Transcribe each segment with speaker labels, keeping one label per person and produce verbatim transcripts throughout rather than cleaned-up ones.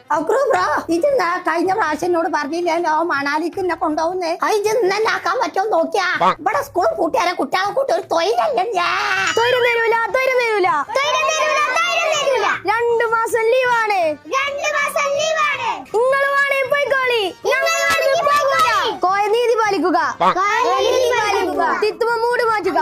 Speaker 1: Bro ഇതെന്താ കഴിഞ്ഞ പ്രാവശ്യം എന്നോട് പറഞ്ഞില്ലല്ലോ മണാലിക്ക് എന്നെ കൊണ്ടുപോകുന്നേ അത് ഇത് ഇന്നെ ആക്കാൻ പറ്റുമോ നോക്കിയാ ഇവിടെ സ്കൂൾ കൂട്ടിയാരെ കുട്ടികളെ കൂട്ടി ഒരു തൊഴിലല്ലേ
Speaker 2: തൊഴിൽ തരൂല തൊഴിൽ തരൂല രണ്ടു മാസം ലീവാണ് നിങ്ങൾ വേണേ പോയിക്കോളി കോയ നീതി പാലിക്കുക തിത്തുമ മൂട് മാറ്റുക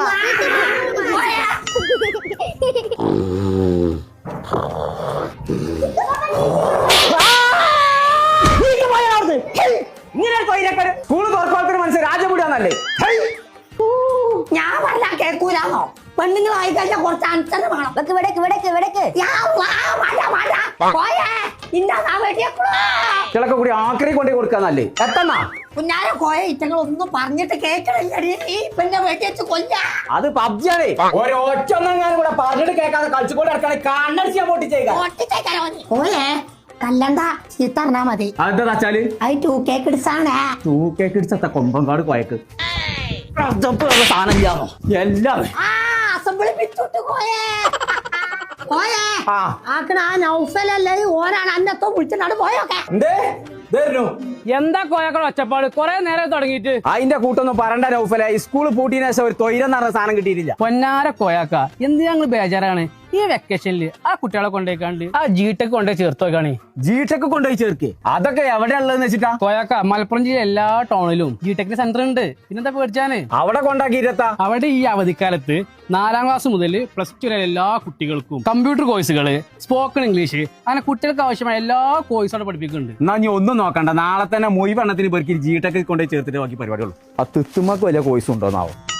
Speaker 3: സ്കൂള് തുറക്കോളത്തിന് മനസ്സിൽ രാജപുടിയാന്നല്ലേ
Speaker 1: ഞാൻ പറഞ്ഞാ കേൾക്കൂലാന്നോ പെണ്ണുങ്ങൾ ആയി കഴിഞ്ഞാൽ കുറച്ച് അനുസരണം വേണം
Speaker 2: വിടക്ക് വിടക്ക് വിടക്ക്
Speaker 3: കിളക്ക കൂടി ആക്രി കൊണ്ടേ കൊടുക്കാന്നല്ലേ എത്തണ
Speaker 1: കുഞ്ഞാരെ കോയ ഇറ്റങ്ങൾ ഒന്നും പറഞ്ഞിട്ട് കേൾക്കണില്ലടി ഈ പെണ്ണെ വെട്ടി വെച്ച് കൊല്ല
Speaker 3: അത് പബ്ജിയാണേ ഒരൊറ്റ ഒന്നെങ്ങാനും കൂടെ പറഞ്ഞിട്ട് കേൾക്കാതെ കളിച്ചുകൊണ്ട് നടക്കണേ കണ്ണടിച്ച് ഞാൻ പൊട്ടിച്ചേക്കാം
Speaker 1: കോയെ കല്ലണ്ട ചീത്ത പറഞ്ഞാ മതി
Speaker 3: അതെന്താ വെച്ചാല്
Speaker 1: അത് ടൂ കേക്ക് ഇടിച്ചാണേ
Speaker 3: ടൂ കേക്ക് ഇടിച്ചത്ത കൊമ്പങ്കാട് കോയക്ക് സാധനം ഇല്ലാന്നോ എല്ലാം
Speaker 1: അസംബ്ലി പിടിച്ചോട്ട് കോയേ കോയേ ആക്കണ ആ നൗഫലല്ലേ ഓനാണ് അന്നത്തോ വിളിച്ചിട്ടാണ് പോയൊക്കെ
Speaker 4: എന്താ കോയക്കൾ ഒച്ചപ്പാട് കൊറേ നേരം തുടങ്ങിയിട്ട്
Speaker 3: അതിന്റെ കൂട്ടൊന്നും പറണ്ട നൗഫല സ്കൂൾ പൂട്ടിയതിനു ശേഷം ഒരു തൊയിലെന്ന് പറഞ്ഞ സാധനം കിട്ടിയിട്ടില്ല
Speaker 4: പൊന്നാര കോയാക്ക എന്ത് ഞങ്ങൾ ബേജാറാണ് ഈ വെക്കേഷനില് ആ കുട്ടികളെ കൊണ്ടുപോയിക്കാണ്ട് ആ ജീടെക് കൊണ്ടുപോയി ചേർത്ത് വെക്കാണ്
Speaker 3: ജീടെക് കൊണ്ടുപോയി ചേർക്ക് അതൊക്കെ എവിടെയുള്ളതെന്ന് വെച്ചിട്ടാ
Speaker 4: കോയാക്ക മലപ്പുറം ജില്ല എല്ലാ ടൗണിലും ജീടെക്കിന്റെ സെന്റർ ഉണ്ട് പിന്നെന്താ പേടിച്ചാന്
Speaker 3: അവിടെ കൊണ്ടാക്കിയിരുത്താ
Speaker 4: അവിടെ ഈ അവധിക്കാലത്ത് നാലാം ക്ലാസ് മുതൽ പ്ലസ് ടു വരെ എല്ലാ കുട്ടികൾക്കും കമ്പ്യൂട്ടർ കോഴ്സുകള് സ്പോക്കൺ ഇംഗ്ലീഷ് അങ്ങനെ കുട്ടികൾക്ക് ആവശ്യമായ എല്ലാ കോഴ്സും അവിടെ പഠിപ്പിക്കുന്നുണ്ട്.
Speaker 3: എന്നാ നീ ഒന്നും നോക്കണ്ട നാളെ തന്നെ മൊയ് എണ്ണത്തിന് പേർക്ക് ജീടെക് കൊണ്ടുപോയി ചേർത്തിട്ട് ബാക്കി പരിപാടിയുള്ളൂ ആ തിത്തുമ്മക്ക് വലിയ കോഴ്സ് ഉണ്ടോന്നാവും.